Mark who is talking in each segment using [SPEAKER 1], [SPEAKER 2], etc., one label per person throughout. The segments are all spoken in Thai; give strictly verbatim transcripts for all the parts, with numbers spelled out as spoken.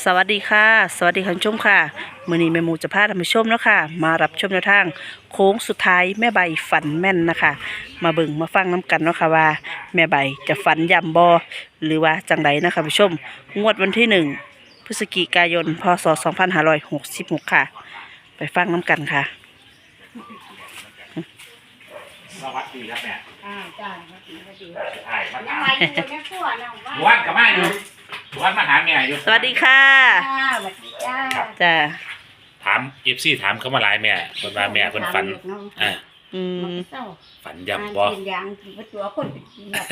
[SPEAKER 1] สวัสดีค่ะสวัสดีคุณผู้ชมค่ะมื้อนี้แม่หมูจะพาท่านผู้ชมเนาะค่ะมารับชมแนวทางโค้งสุดท้ายแม่ใบฝันแม่นนะคะมาเบิ่งมาฟังน้กันเนาะค่ะว่าแม่ใบจะฝันย่ำบ่หรือว่าจังไดนะคะผู้ชมงวดวันที่หนึ่งพฤศจิกายนพศสองพันห้าร้อยหกสิบหกค่ะไปฟังน้กันค่ะ
[SPEAKER 2] สวัสดีครับแม่
[SPEAKER 3] อ่าจ้าสวัสดีสวัสดี
[SPEAKER 2] ใช่มา
[SPEAKER 3] ยั
[SPEAKER 2] ถาง ม
[SPEAKER 3] ไงอยู่ในครัวนะว่า
[SPEAKER 2] วันกับแม่อยู่วันมาหาแม่อยู่
[SPEAKER 1] สวัสดีค่ะ
[SPEAKER 3] จ้าสวัสดีจ้า
[SPEAKER 1] จ้า
[SPEAKER 2] ถามเอฟซีถามเขามาหลายแม่คนว่าแม่คนฝันอ่า
[SPEAKER 1] อืม
[SPEAKER 2] ฝันย่ำบ่
[SPEAKER 3] เป็นอย่างที่ว่าตัวคนเป็นจริงแบบ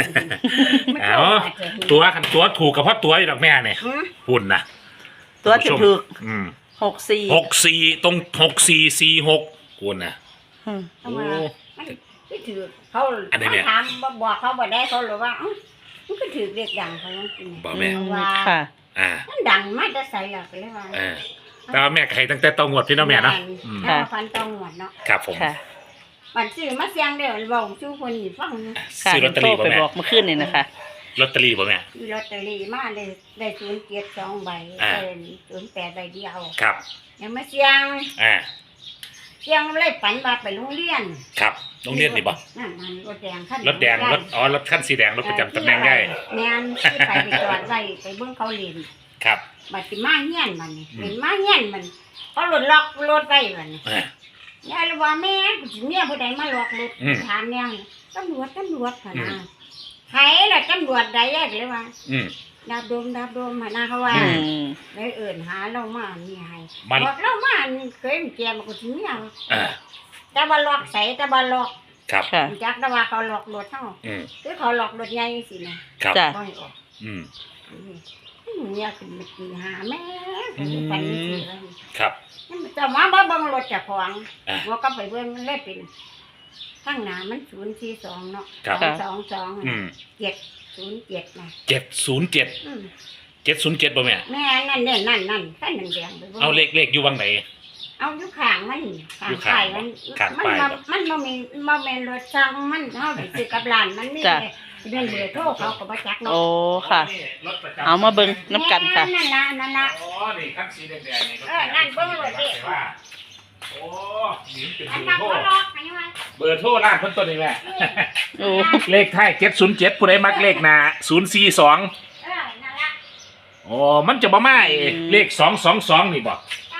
[SPEAKER 2] เอาตัวคันตัวถูกกับพ่อตัวอยู่ดอกแม่เนี่ยหุ่นนะ
[SPEAKER 1] ตัวถูกถูก
[SPEAKER 2] อืม
[SPEAKER 1] หกสี่
[SPEAKER 2] หกสี่ตรงหกสี่สี่หกหุ่นนะ
[SPEAKER 1] อืม
[SPEAKER 3] เอามาไม่ถือเขา
[SPEAKER 2] อันนี้เนี่ย
[SPEAKER 3] ถามบอกเขาบอกได้เขาหรือว่ามันก็ถือเรียกดังเขาจริง
[SPEAKER 2] บ่แม่
[SPEAKER 3] ว่า
[SPEAKER 1] ค่ะ
[SPEAKER 2] อ่า
[SPEAKER 3] มันดังมาจะใส่หลักเลยว่า
[SPEAKER 2] อ่าแต่ว่าแม่ใครตั้งแต่ต้องงวดพี่น้องแม่เนาะอืม
[SPEAKER 3] ถ้าฟันต้องหมดเนาะ
[SPEAKER 2] ครับผม
[SPEAKER 1] ค่ะ
[SPEAKER 3] มันซื้อมาเสียงเดียวบอกชูคนอีฟัง
[SPEAKER 1] ค่ะ
[SPEAKER 2] ซื้อลอตเตอรี่
[SPEAKER 1] โท
[SPEAKER 2] บ่
[SPEAKER 1] ไป
[SPEAKER 2] แม่
[SPEAKER 1] บอกเมื่อคืนนี่นะคะ
[SPEAKER 2] ลอตเตอรี่บ่แม่
[SPEAKER 3] ซื้อลอตเตอรี่มาได้ได้ศูนย์เกียรติสองใบ
[SPEAKER 2] อ่า
[SPEAKER 3] เป็นศูนย์แปดใบเดียว
[SPEAKER 2] ครับ
[SPEAKER 3] ยังมาเสียง
[SPEAKER 2] อ่า
[SPEAKER 3] เสียงเลยฝันว่าไปโรงเรียน
[SPEAKER 2] ครับโรงเรียนนี่บ่
[SPEAKER 3] นั่นมันรถแดงขั้น
[SPEAKER 2] รถแดงรถอ๋อรถคันสีแดงรถประจำตำแหน่งได้
[SPEAKER 3] แม่นที่ไปไปจอดไว้ไปเบิ่งเขาเรียน
[SPEAKER 2] ครับ
[SPEAKER 3] บัดสิมาเฮียนมันนี่
[SPEAKER 2] อืม
[SPEAKER 3] เป็นมาเฮียนมันเขารถล็อกรถไว้มันนี่
[SPEAKER 2] อ่า
[SPEAKER 3] ยายเลยว่าแม่กูสิเมียผู้ใดมาล็อกรถ
[SPEAKER 2] อืม
[SPEAKER 3] ถามเนี่ยตำรวจตำรวจพะนะไผล่ะตำรวจใดยายก็เลยว่า
[SPEAKER 2] อืม
[SPEAKER 3] ดาบโดมดาบโดมพะนะเขาว่า
[SPEAKER 1] อืม
[SPEAKER 3] เลยเอิ่นหาเรามานี่ให้
[SPEAKER 2] มัน
[SPEAKER 3] บอกเรามาเคยแกมากูสิเมีย
[SPEAKER 2] อ่า
[SPEAKER 3] แต่ว่าล็อกใส่แต่ว่าล็อก
[SPEAKER 2] ครับ
[SPEAKER 1] ค่ะ
[SPEAKER 3] จักแต่ว่าเขาล็อกรถเฮา
[SPEAKER 2] อืม
[SPEAKER 3] คือเขาล็อกรถใหญ่สินะครับ
[SPEAKER 1] จ้ะ
[SPEAKER 3] บ่ให้ออก
[SPEAKER 2] อืม
[SPEAKER 3] เนี่ยขึ้นมาตีหาแม่ฝันสิเลย
[SPEAKER 2] ครับ
[SPEAKER 3] จะมาบ่เบิ่งรถเจ้าของ
[SPEAKER 2] อ่ะ
[SPEAKER 3] ว่าก็ไปเบิ่งมันเลยเป็นข้างหน้ามันศูนย์สี่สองเนาะ
[SPEAKER 2] ครับ
[SPEAKER 3] สองสอง
[SPEAKER 2] อืม
[SPEAKER 3] เจ็ดศูนย์เจ็ดนะ
[SPEAKER 2] เจ็ดศูนย์เจ็ด
[SPEAKER 3] อืม
[SPEAKER 2] เจ็ดศูนย์เจ็ดบ่แม่
[SPEAKER 3] แม่นั่นเนี่ยนั่นนั่นขั้นแดงๆไปบิ่ง
[SPEAKER 2] เอาเลขเลขอยู่วังไหน
[SPEAKER 3] เอาอยู่ข้างมัน
[SPEAKER 2] อยู่
[SPEAKER 3] ข้า
[SPEAKER 2] ข้าง
[SPEAKER 3] งป้ายมัน
[SPEAKER 2] ข้าง
[SPEAKER 3] มัน
[SPEAKER 2] ป้าย
[SPEAKER 3] บ่
[SPEAKER 2] บ่
[SPEAKER 3] มันบ่มีบ่แม่นรถช่างมันเฮาไปซื้อกับร้านมันมี
[SPEAKER 1] จ้ะ
[SPEAKER 3] เรื่องเบอร์โทรเขาก็บ่จักเนาะ
[SPEAKER 1] โอ้ค่ะ
[SPEAKER 2] รถประจำ
[SPEAKER 1] เอามาเบิ่งน้ำกันค่ะ
[SPEAKER 3] แม่นั่นล่ะนั่นล่ะ
[SPEAKER 2] อ๋อนี่คันสีแดงๆนี่
[SPEAKER 3] เออนั่นเบิ่งรถดิ
[SPEAKER 2] ว่าโอ้นี่เป็น
[SPEAKER 3] อัน
[SPEAKER 2] เบอ
[SPEAKER 3] นั้น
[SPEAKER 2] ร์โทร
[SPEAKER 3] เขาล็อกให้ว่า
[SPEAKER 2] เบอร์โทรร้านเพิ่นตัวนี้แม่
[SPEAKER 1] โอ้
[SPEAKER 2] เลขท้ายเจ็ดศูนย์เจ็ดผู้ใดมักเลขหน้าศูนย์สี่สอง
[SPEAKER 3] เออนั่นล่ะ
[SPEAKER 2] อ๋อมันจะบ่มาเอ้เลขสองสองสองนี่บ่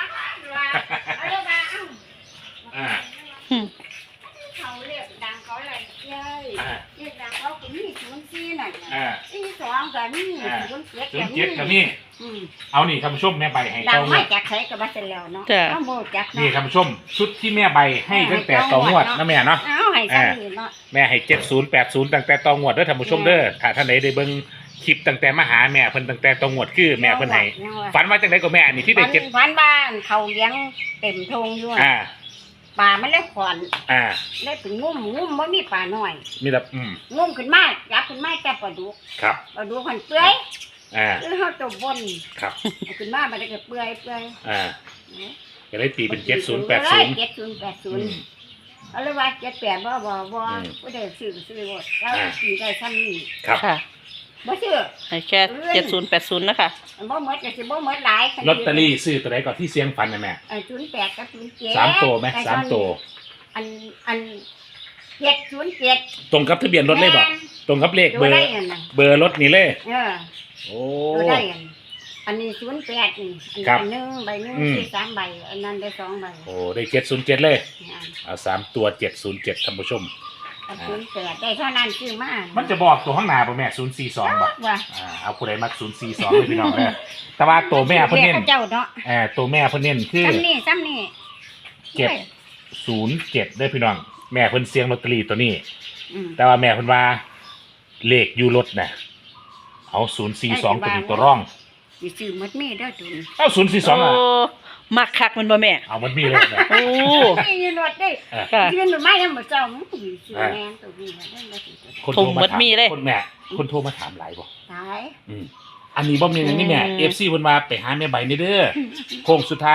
[SPEAKER 2] อ่า
[SPEAKER 1] อืม
[SPEAKER 3] เขาเรียกดังเขาอะไรเย้ย
[SPEAKER 2] อ่า
[SPEAKER 3] เรียกดังเขาก็มีศูนย์สี่นั่น
[SPEAKER 2] อ่า
[SPEAKER 3] สี่สองก็มี
[SPEAKER 2] อ่า
[SPEAKER 3] ศูนย์เจ็ด
[SPEAKER 2] ศูน
[SPEAKER 3] ก็
[SPEAKER 2] ย์
[SPEAKER 3] มี
[SPEAKER 2] เจ็ดกับนี่
[SPEAKER 3] อืม
[SPEAKER 2] เอานี่ท่านผู้ชมแม่ใบให้
[SPEAKER 3] ดั
[SPEAKER 2] ต
[SPEAKER 3] ง
[SPEAKER 2] อง
[SPEAKER 3] ไม่
[SPEAKER 2] วด
[SPEAKER 3] จากใช้กับบัสแล้วเนาะ
[SPEAKER 1] จ้ะ
[SPEAKER 3] ต้องโบจัก
[SPEAKER 2] นี่
[SPEAKER 3] เนาะ
[SPEAKER 2] ท่านผู้ชมชุดที่แม่ใบให้ตั้งแต่ตองวดนะแม่เนาะ
[SPEAKER 3] เอาให้ซ้ำนี่เนาะ
[SPEAKER 2] แม่ให้เจ็ดศูนย์แปดศูนย์ตั้งแต่ตองวดเด้อท่านผู้ชมเด้อถ้าท่านไหนได้เบิ่งคลิปตั้งแต่มาหาแม่เพิ่นตั้งแต่ตองวดคือแม่เพิ่นให้ฝันว่าจังไดก็แม่อันนี้ที่ได้
[SPEAKER 3] ฝัน
[SPEAKER 2] เจ็ด
[SPEAKER 3] ฝันบ้านเขาเลี้ยงเต็มทงอยู่
[SPEAKER 2] อ่า
[SPEAKER 3] ป่ามันเลยขอน
[SPEAKER 2] อ่า
[SPEAKER 3] เลยถึงงุ่มงุ่มบ่มีป่าน้อย
[SPEAKER 2] มีแต่อืม
[SPEAKER 3] งุ่มขึ้นมาจับขึ้นมาจับปลาดุก
[SPEAKER 2] ครับ
[SPEAKER 3] ปลาดุกหันเปื่อย
[SPEAKER 2] อ่า
[SPEAKER 3] คือเฮาตัวบน
[SPEAKER 2] ครับ
[SPEAKER 3] เอาขึ้นมามันก็เปื่อยเปื่อย
[SPEAKER 2] อ่าก็เลยตีเป็นเจ็ดศูนย์แปดศูนย์
[SPEAKER 3] เจ็ดศูนย์แปดศูนย์เอาเลยว่าเจ็ดแปดบ่บ่บ่
[SPEAKER 2] อืม
[SPEAKER 3] บ่ได้ซื้อซื้อหมดแล้ว
[SPEAKER 2] อ่า
[SPEAKER 3] ซื้อได้ซ้ำนี่
[SPEAKER 2] ครับ
[SPEAKER 1] ค่ะ
[SPEAKER 3] บ่ซื้อ
[SPEAKER 1] ให้แค่เจ็ดศูนย์แปดศูนย์นะคะ
[SPEAKER 3] บ่หมดก็สิบ่หมดหลาย
[SPEAKER 2] ลอตเตอรี่ซื้อตัวไหนก่อนที่เสียงฟันนะแม่
[SPEAKER 3] เออศูนย์แปดกับศูนย์เจ็ด
[SPEAKER 2] สามตัวไหมสามตัว
[SPEAKER 3] อันอันเจ็ดศูนย์เจ็ด
[SPEAKER 2] ตรงกับทะเบียนรถเลยบ่ตรงกับเลขเบ
[SPEAKER 3] ดู
[SPEAKER 2] อร์
[SPEAKER 3] ได้อันน่ะ
[SPEAKER 2] เบอร์รถนี่เลย
[SPEAKER 3] เออ
[SPEAKER 2] โอ้
[SPEAKER 3] ดูได้อันอันนี้ศูนย์แปดนี่
[SPEAKER 2] ครับ
[SPEAKER 3] อันหนึงใบหนึง
[SPEAKER 2] อืม
[SPEAKER 3] สี่สามใบอันนั้นได้สองใบ
[SPEAKER 2] โอ้ได้เจ็ดศูนย์เจ็ดเลย
[SPEAKER 3] อ่า
[SPEAKER 2] เอาสามตัวเจ็ดศูนย์เจ็ดท่านผู้ชม
[SPEAKER 3] อันศูนย์แปดได้เท่านั้นซื้อมา
[SPEAKER 2] มันจะบอกตัวข้างหน้าป่ะแม่ศูนย์สี่สองบ่
[SPEAKER 3] ว่า
[SPEAKER 2] อ่าเอาผู้ใดมักศูนย์สี่สองเลยพี่น้องเลยแต่ว่าตัวแม่เพิ่นเน้น
[SPEAKER 3] เจ้าเนาะ
[SPEAKER 2] เออตัวแม่เพิ่นเน้นคือ
[SPEAKER 3] ซ้ำนี่ซ้ำนี่
[SPEAKER 2] เจ็ด ศูนย์เจ็ดได้อพี่น้องแม่เพิ่นเสียงลอตเตอรี่ตัวนี้
[SPEAKER 3] อืม
[SPEAKER 2] แต่ว่าแม่เพิ่นว่าเลขอยู่รถน่ะเอาศูนย์สี่สองตัวนี้ตัวร่อง
[SPEAKER 3] สิซื้อหมดมีเด้อตุน
[SPEAKER 2] เอาศูนย์สี่สองอ่ะ
[SPEAKER 1] โมักคักมันบ่แม่
[SPEAKER 2] เอามันมีเลยนะ
[SPEAKER 1] โอ้
[SPEAKER 3] มีอยู่รถเด้
[SPEAKER 2] อ่ะ
[SPEAKER 1] ค่ะ
[SPEAKER 3] ยืนหรือไม่ยังบ่เจ้ามึงสิซื้อแม่นตัวนี้มาเด้อบ่สิตัว
[SPEAKER 2] คนโทร
[SPEAKER 1] ถุง
[SPEAKER 2] มา
[SPEAKER 1] มัด
[SPEAKER 2] ถาม
[SPEAKER 1] มีเลย
[SPEAKER 2] คนแม่คนโทรมาถามหลายบ่
[SPEAKER 3] ตาย
[SPEAKER 2] อืมอันนี้บ่มีอย่างนี้แม่
[SPEAKER 1] อืม
[SPEAKER 2] เอฟซีเพิ่นว่าไปหาแม่ใบนี่เด้อโค้งสุดท้าย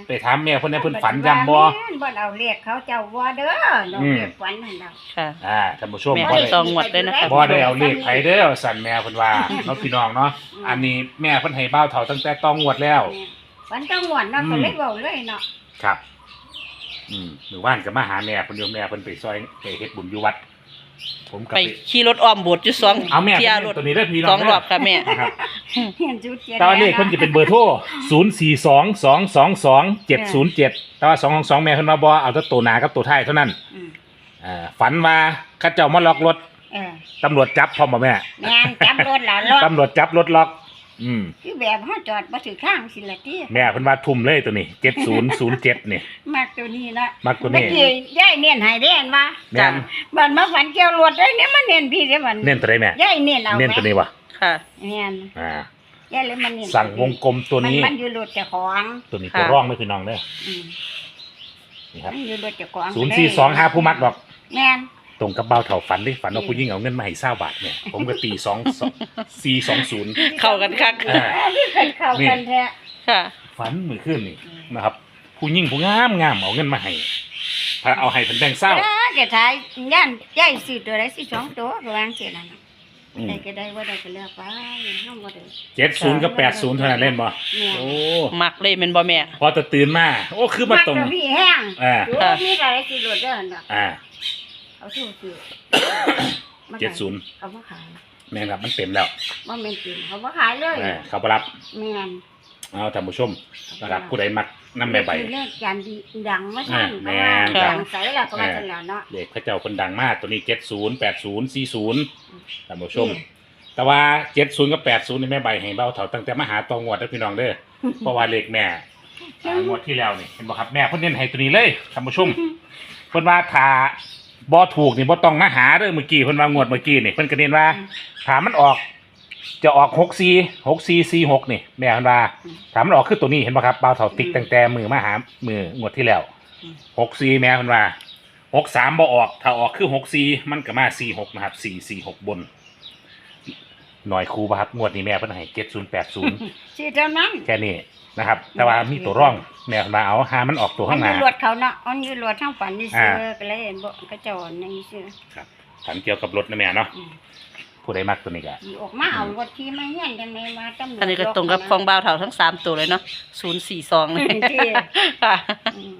[SPEAKER 2] ไปถามแม่เพิ่นให้เพิ่นฝันย้ำบ่
[SPEAKER 3] แม่นบ่เอาเลขเขาเจ้าบ่เด้อดอก
[SPEAKER 2] อืม
[SPEAKER 3] เลขฝันนั่นดอก
[SPEAKER 1] ค่ะ
[SPEAKER 2] อ่าท่านผู้ชม
[SPEAKER 1] แม่
[SPEAKER 2] บ่
[SPEAKER 1] ให้
[SPEAKER 2] ได้
[SPEAKER 1] ตองงวดด้วยนะคะ
[SPEAKER 2] บ่ได้เอาเลขไผเด้อสั่นแม่เพิ่นว่าเนาะพี่น้องเนาะอันนี้แม่เพิ่นให้บ้าวเฒ่าตั้งแต่ตองงวดแล้ว
[SPEAKER 3] ฝันต้องหวนเนาะ
[SPEAKER 2] อืม
[SPEAKER 3] ก็เลยเว้าเลยเนาะ
[SPEAKER 2] ครับ อืมหมู่บ้านก็มาหาแม่เพิ่นอยู่แม่เพิ่นไปซอยไปเฮ็ดบุญอยู่วัด ผมก็
[SPEAKER 1] ไป
[SPEAKER 2] ไป
[SPEAKER 1] ขี่รถอ้อมโบสถ์อยู่สอง
[SPEAKER 2] เอาแม่
[SPEAKER 1] เที่ย
[SPEAKER 2] เพิ่น
[SPEAKER 1] รถ
[SPEAKER 2] ตัวนี้เด้อพี่น้
[SPEAKER 1] ส
[SPEAKER 2] อ
[SPEAKER 1] อง งรอบค่ะแม่
[SPEAKER 2] นะครับ
[SPEAKER 3] เห็นจุดเจ็ด
[SPEAKER 2] แต่ว่าเลขเพิ่นจะเป็นเบอร์โทรศูนย์ สี่ สอง สอง สอง สอง เจ็ด ศูนย์ เจ็ดแต่ว่าสองของสองแม่เพิ่นมาบ่เอาแต่ตัวหน้ากับตัวท้ายเท่านั้น
[SPEAKER 3] อืม
[SPEAKER 2] อ่าฝันว่าเขาเจ้ามาล็อกรถ
[SPEAKER 3] เออ
[SPEAKER 2] ตำรวจจับพร้อมบ่แม่
[SPEAKER 3] แม่นจับรถแล้วรถ
[SPEAKER 2] ตำรวจจับรถล็อก อืม
[SPEAKER 3] คือแบบเฮาจอดบ่ถือข้างสิละติ
[SPEAKER 2] แม่เพิ่นว่าทุ่มเลยตัวนี้เจ็ดศูนย์ศูนย์เจ็ดนี่
[SPEAKER 3] มากตัวนี้นะ
[SPEAKER 2] มักตัวนี้
[SPEAKER 3] เมื่อกี้ยายเน้นให้เด้นว่า
[SPEAKER 2] แม่น
[SPEAKER 3] บัดมาฝันเกี่ยวรถได้เนี่ยมันเน้นพี่เด้บัด
[SPEAKER 2] เน้นตัวใดแม่
[SPEAKER 3] ยายเน้นเอา
[SPEAKER 2] เน้นตัวนี้วะ
[SPEAKER 1] ค่ะ
[SPEAKER 3] แม่น
[SPEAKER 2] อ่าย
[SPEAKER 3] ายเลยมันเน้น
[SPEAKER 2] สั่งวงกลมตัวนี้
[SPEAKER 3] มันมันอยู่รถเจ้าของ
[SPEAKER 2] ตัวนี้
[SPEAKER 1] ค่ะ
[SPEAKER 2] ตัวร่องไม่พี่น้องเด้อ
[SPEAKER 3] อืม
[SPEAKER 2] นี่ครับ
[SPEAKER 3] มันอยู่รถเจ้าของ
[SPEAKER 2] ศูนย์สี่สองห้าผู้มักดอก
[SPEAKER 3] แม่น
[SPEAKER 2] ตรงกับเบาเถ่าฝันดิฝันว่าผู้หญิงเอาเงินมาให้เศร้าบาทเนี่ย ผมก็ตีสองสี่สองศูนย์
[SPEAKER 1] เข้ากันคัก
[SPEAKER 2] อ่า
[SPEAKER 3] เคยเข้ากันแท้
[SPEAKER 1] ค่ะ
[SPEAKER 2] ฝันมือขึ้นนี่นะครับ ผู้หญิงผู้งามงามเอาเงินมาให้พาเอาให้เป็นแบงค์เศร้า
[SPEAKER 3] เออจะทายย่านยายสิตัวใดสิสองตัวก็วางเสียนั่นน่ะ
[SPEAKER 2] อืม
[SPEAKER 3] ได้ก็ได้ว่าได้ก็เลือกไปเฮาบ่ได้
[SPEAKER 2] เจ็ดศูนย์กับแปดศูนย์เท่านั้นเล่นบ่
[SPEAKER 3] แม่
[SPEAKER 2] โอ้
[SPEAKER 1] มักเลยแม่นบ่แม่
[SPEAKER 2] พอจะตื่นมาโอ้คือมาตรง
[SPEAKER 3] กพี่แห้ง
[SPEAKER 2] อ่า
[SPEAKER 3] ดูมีอะไรสิรถเด้อหั่นน่ะ
[SPEAKER 2] อ่า
[SPEAKER 3] เอาสู้สิ
[SPEAKER 2] เจ็ดศูนย์
[SPEAKER 3] เอามาขาย
[SPEAKER 2] แม่นครับมันเต็มแล้ว
[SPEAKER 3] บ่แม่นจริงเขาบ่ขายเลย
[SPEAKER 2] อ่าเขาไปรับ
[SPEAKER 3] แม่น
[SPEAKER 2] เอาท่านผู้ชมนะครับผู้ใดมักน้ำใบใบ
[SPEAKER 3] เลขจานดีดังมาซั่น
[SPEAKER 2] อ่า
[SPEAKER 3] เพราะว่า
[SPEAKER 2] แม่น
[SPEAKER 3] ดังใสแล้วก็ว่าซั่นแล้วเนาะ
[SPEAKER 2] เด็กพระเจ้าคนดังมากตัวนี้เจ็ดศูนย์แปดศูนย์สี่ศูนย์ท่านผู้ชม แต่ว่าเจ็ดศูนย์กับแปดศูนย์นี่แม่ใบให้เบาเถาตั้งแต่มาหาตองวดแล้วพี่น้องเด้อ เพราะว่าเลขแม่อ่างวดที่แล้วนี่เห็นบ่ครับแม่เพิ่นเน้นให้ตัวนี้เลยท่านผู้ชมเพิ่นว่าถ้าบ่ถูกนี่บ่ต้องมาหาเด้อเมื่อกี้เพิ่นว่างวดเมื่อกี้นี่เพิ่นก็เน้นว่าถ้ามันออก จะออกหกสี่ หกสี่ สี่หกนี่แม่เพิ่นว่าถ้ามันออกคือตัวนี้เห็นบ่ครับเบาเถาติ๊กตั้งแต่มือมาหามืองวดที่แล้วหกสี่แม่เพิ่นว่าหกสามบ่ออกถ้าออกคือหกสี่มันก็มาสี่หกนะครับสี่ สี่หกบนหน่อยครูป่ะครับงวดนี้แม่เพิ่นให้เจ็ดศูนย์แปดศูนย์
[SPEAKER 3] สิเท่านั้น
[SPEAKER 2] แค่นี้นะครับ แต่ว่ามีตัวร่องแม่มาเอาหามันออกตัว
[SPEAKER 3] มั
[SPEAKER 2] ข้าน งห
[SPEAKER 3] อ
[SPEAKER 2] น้า
[SPEAKER 3] ยู่รถเขาเนาะมันอยู่รถทางฝันนี่
[SPEAKER 2] อ่า
[SPEAKER 3] ซื้อก็เลยเห็นบ่ก็เจ้าอันนี้ซื้อ
[SPEAKER 2] ครับถามเกี่ยวกับรถนะแม่เนาะ
[SPEAKER 3] อืม
[SPEAKER 2] ผู้ใดมักตัวนี้ก็
[SPEAKER 3] สิออกมาเอารถที่มาเฮียนจังได๋มาตำรวจ
[SPEAKER 1] อันนี้ก็ตรงกับของบ่าวเฒ่าทั้งสามตัวเลยเนาะศูนย์สี่สองเลย
[SPEAKER 3] ที่
[SPEAKER 1] ค่ะ
[SPEAKER 3] อืม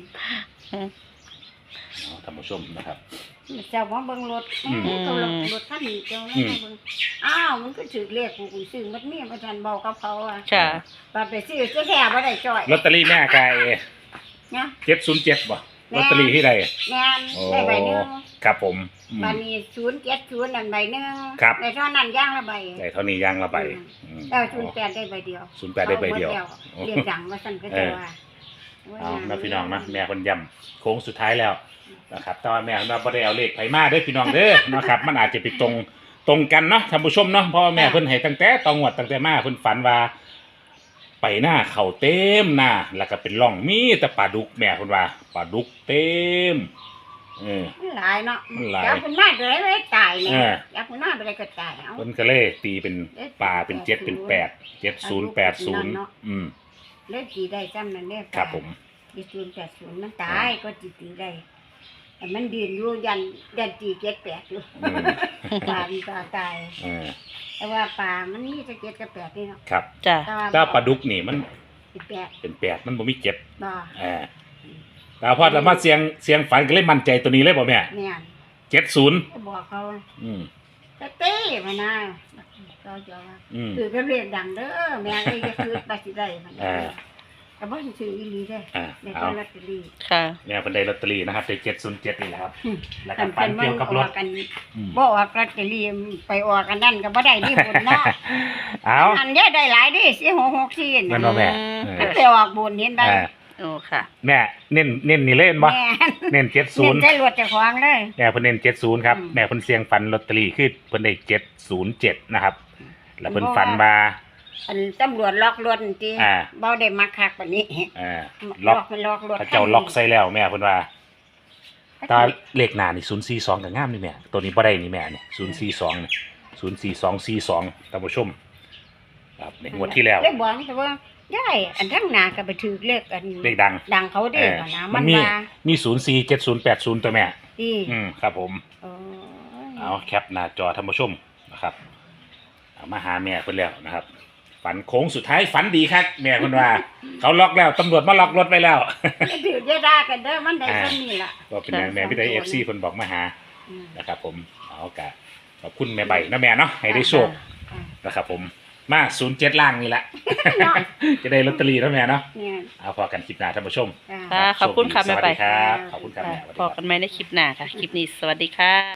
[SPEAKER 2] เอาท่านผู้ชมนะครับ
[SPEAKER 3] เจ้ามาเบิ่งรถ
[SPEAKER 2] อืม
[SPEAKER 3] เขารถรถคันนี้เจ้าแล้วมาเบิ่งอ้าวมันก็ถือเลขกูกูซื้อมันมีบ่ทันเว้ากับเขาอ่ะ
[SPEAKER 1] ค่ะ
[SPEAKER 3] บาดไปซื้อจะแท้บ่ได้จ่อย
[SPEAKER 2] ลอตเตอรี่แม่กาย
[SPEAKER 3] นะ
[SPEAKER 2] เจ็ดศูนย์เจ็ดบ่ลอตเตอรี่ที่ใด
[SPEAKER 3] แม่น
[SPEAKER 2] โอ้
[SPEAKER 3] ได้ใบหนึง
[SPEAKER 2] ครับผมอืม
[SPEAKER 3] บาดนี้ศูนย์เจ็ดศูนย์นั่นใบหนึง
[SPEAKER 2] ครับ
[SPEAKER 3] ได้เท่านั้นอย่างละใบ
[SPEAKER 2] ได้เท่านี้ย่างละใบอืม
[SPEAKER 3] แล้วศูนย์แปดได้ใบเดียว
[SPEAKER 2] ศูนย์แปดได้ใบเดียว
[SPEAKER 3] อาหมเรียกดังว่าซั่นก็จะว่า
[SPEAKER 2] เอานะพี่น้องนะแม่คนย้ำโค้งสุดท้ายแล้วนะครับแต่ว่าแม่เราบ่ได้เอาเลขไผมาเด้อพี่น้องเด้อ นะครับ มันอาจจะไปตรงตรงกันเนาะท่านผู้ชมเนาะเพราะว่าแม่เพิ่นให้ตั้งแต่ตองวดตั้งแต่มาเพิ่นฝันว่า ไปหน้าเข่าเต็มหน้าแล้วก็เป็นร่องมีแต่ปลาดุกแม่เพิ่นว่าปลาดุกเต็มเออ
[SPEAKER 3] มันหลายเนาะ
[SPEAKER 2] มันหลาย
[SPEAKER 3] จับมันมาได้เลยตายเนี่ย
[SPEAKER 2] เออ
[SPEAKER 3] จับมันมาได้ก็ตายเอา
[SPEAKER 2] เพิ่นก็เลยตีเป็นปลาเป็นเจ็ดเป็นแปดเจ็ดศูนย์แปดศูนย์อืม
[SPEAKER 3] เลขกี่ได้จำนั่นเลข
[SPEAKER 2] ครับผม
[SPEAKER 3] ยี่ศูนย์แปดศูนย์มันตายก็จีตีได้แต่มันยืนอยู่ยันยันตีเจ็ดแปดอยู่
[SPEAKER 2] อืม
[SPEAKER 3] ปลามันปลาตาย
[SPEAKER 2] เออ
[SPEAKER 3] แต่ว่าปลามันมีแต่เจ็ดกับแปดนี่เนาะ
[SPEAKER 2] ครับ
[SPEAKER 1] จ้ะ
[SPEAKER 3] แต่ว่า
[SPEAKER 2] ถ้าปลาดุกนี่มัน
[SPEAKER 3] สิบแปด
[SPEAKER 2] เป็นแปดมันบ่มีเจ็ด
[SPEAKER 3] บ่
[SPEAKER 2] เออแต่พอเรามาเสียงเสียงฝันก็เลยมั่นใจตัวนี้เลยบ่แม่
[SPEAKER 3] เนี่ย
[SPEAKER 2] เจ็ดศูนย์
[SPEAKER 3] ก็บอกเขา
[SPEAKER 2] อืม
[SPEAKER 3] แต่เต้มานะเขาจะว่า
[SPEAKER 2] อืม
[SPEAKER 3] คือก็เรียกดังเด้อแม่ก็จะคือปสิได้มัน
[SPEAKER 2] อ่า
[SPEAKER 3] แต่บ่ซื้ออีหลีเด้อ
[SPEAKER 2] อ่า
[SPEAKER 3] ใน
[SPEAKER 2] เอา
[SPEAKER 3] ลอตเตอรี่
[SPEAKER 1] ค่ะ
[SPEAKER 2] แม่เพิ่นได้ลอตเตอรี่นะครับได้เจ็ดศูนย์เจ็ดนี่แหละครับ แล้วก็
[SPEAKER 3] คัน
[SPEAKER 2] ฝัน
[SPEAKER 3] เพิ่น
[SPEAKER 2] เกี่ยวกับรถ
[SPEAKER 3] ออกกัน
[SPEAKER 2] อืม
[SPEAKER 3] บ่ออกลอตเตอรี่ไปออกกันนั่นก็บ่ได้นี่บุญเนาะ
[SPEAKER 2] เอา
[SPEAKER 3] อันเนี้ยได้หลายดิสี่หกหกสี่
[SPEAKER 2] แม่น
[SPEAKER 3] น่ะ
[SPEAKER 2] บ่แม่
[SPEAKER 1] อืม
[SPEAKER 2] เอ
[SPEAKER 3] มัน
[SPEAKER 2] อ
[SPEAKER 3] ไปออกบุญเห็นบ่
[SPEAKER 2] อ่า
[SPEAKER 1] โอ้ค่ะ
[SPEAKER 2] แม่เน้นเน้นนี่เล่นบ่
[SPEAKER 3] แม่
[SPEAKER 2] เน้นเจ็ดศู
[SPEAKER 3] เน้
[SPEAKER 2] น
[SPEAKER 3] น
[SPEAKER 2] ย์
[SPEAKER 3] ได้รวดเจ้าของเลย
[SPEAKER 2] แม่เพิ่นเน้นเจ็ดศูนย์ครับ
[SPEAKER 3] อืม
[SPEAKER 2] แม่เพิ่นเสียงฝันลอตเตอรี่คือเพิ่นได้เจ็ดศูนย์เจ็ดนะครับ แล้วเพิ่นฝันว่า
[SPEAKER 3] อันตำรวจล็อกรถติ
[SPEAKER 2] อ่า
[SPEAKER 3] บ่ได้มาคักปานนี้
[SPEAKER 2] อ่า
[SPEAKER 3] ล็
[SPEAKER 2] ล็
[SPEAKER 3] อ
[SPEAKER 2] อก ก
[SPEAKER 3] มันล็อกรถ
[SPEAKER 2] พระเจ้าล็อกใส่แล้วแม่เพิ่นว่าตาเลขหน้านี่ศูนย์สี่สองก็งามนี่แม่ตัวนี้บ่ได้นี่แม่นี่ศูนย์สี่สองนี่ศูนย์สี่สองสี่สองท่านผู้ชมครับในงวดที่แล้ว
[SPEAKER 3] เลยบอกแต่ว่ายายอันทั้งหนาก็ไปถือเลขอัน
[SPEAKER 2] เลขดัง
[SPEAKER 3] ดังเขาเด้
[SPEAKER 2] เออ
[SPEAKER 3] นะ
[SPEAKER 2] มั
[SPEAKER 3] มัน น
[SPEAKER 2] มี
[SPEAKER 3] มา
[SPEAKER 2] มีศูนย์สี่เจ็ดศูนย์แปดศูนย์ตัวแม่
[SPEAKER 3] ดี
[SPEAKER 2] อืมครับผม
[SPEAKER 3] โอ้ย
[SPEAKER 2] เอาแคปหน้าจอท่านผู้ชมนะครับเอามาหาแม่เพิ่นแล้วนะครับ ฝันโค้งสุดท้ายฝันดีครับแม่เพิ่นว่า เขาล็อกแล้วตำรวจมาล็อกรถไว้แล้ว
[SPEAKER 3] อย่าถืออย่าด่ากันเด้อมันได้ซ้ำนี่ล่ะ
[SPEAKER 2] ก็เป็นแม่พี่ได้เอฟซีเพิ่นบอกมาหา
[SPEAKER 3] อืม
[SPEAKER 2] นะครับ ผมเอากะขอบคุณแม่ใบนะแม่เนาะให้ได้โชค
[SPEAKER 3] อ่า
[SPEAKER 2] นะครับผมมาศูนย์เจ็ดล่างนี่แหละ จะได้ลอตเตอรี่แล้วแม่เนาะ
[SPEAKER 3] เนี่ย
[SPEAKER 2] เอาพอกันคลิปหน้าท่านผู้ชม
[SPEAKER 3] อ่า
[SPEAKER 1] ค่ะขอบคุณค่ะ
[SPEAKER 2] ส
[SPEAKER 1] แม่
[SPEAKER 2] วัส
[SPEAKER 1] ใบ
[SPEAKER 2] ดีครับขอบคุณครับ
[SPEAKER 1] ค่ะ
[SPEAKER 2] แม่สวัสดี
[SPEAKER 1] พอ
[SPEAKER 2] ครับ
[SPEAKER 1] กันไหมในคลิปหน้าค่ะ คลิปนี้สวัสดีค่ะ